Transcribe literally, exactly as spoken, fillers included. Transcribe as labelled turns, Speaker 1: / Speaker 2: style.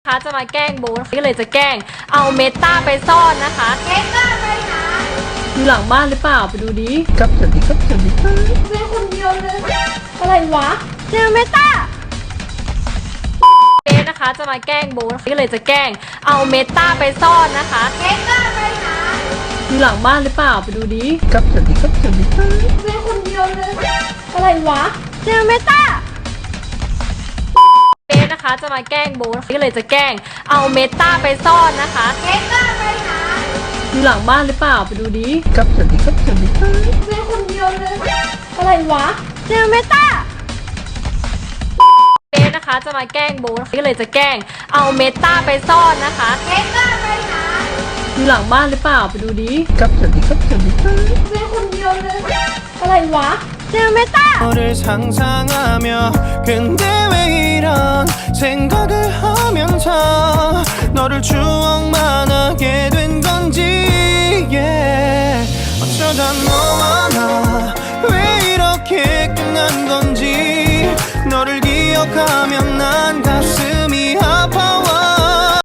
Speaker 1: นะคะจะมาแกล้งโบนก็เลยจะแกล้งเอาเมตาไปซ่อนนะคะเมตาไปหาอยู่หลังบ้านหรือเปล่าไปดูดิ
Speaker 2: ครับสวัสดีครับสวัสดีครับ
Speaker 1: แม่คนเดียวเลยอะไรวะเจอเมตาเบสนะคะจะมาแกล้งโบนก็เลยจะแกล้งเอาเมตาไปซ่อนนะคะเมตาไปหาอยู่หลังบ้านหรือเปล่าไปดูดิ
Speaker 2: ครับสวัสดีครับสวัสดีครับ
Speaker 1: แม่คนเดียวเลยอะไรวะเจอเมตาเบสนะคะจะมาแกล้งโบนก็เลยจะแกล้งเอาเมตาไปซ่อนนะคะเมตาไปหาอยู่หลังบ้านหรือเปล่าไปดูดิ
Speaker 2: ครับสวัสดีครับสวัสดีครับ
Speaker 1: แม่คนเดียวเลยอะไรวะเจอเมตาเบสนะคะจะมาแกล้งโบนก็เลยจะแกล้งเอาเมตาไปซ่อนนะคะเมตาไปหาอยู่หลังบ้านหรือเปล่าไปดูดิ
Speaker 2: ครับสวัสดีครับสวัสดีครับ
Speaker 1: แม่คนเดียวเลยอะไรวะเจอเมตา
Speaker 3: 너를 상상하며 근데 왜 이런 생각을 하면서 너를 주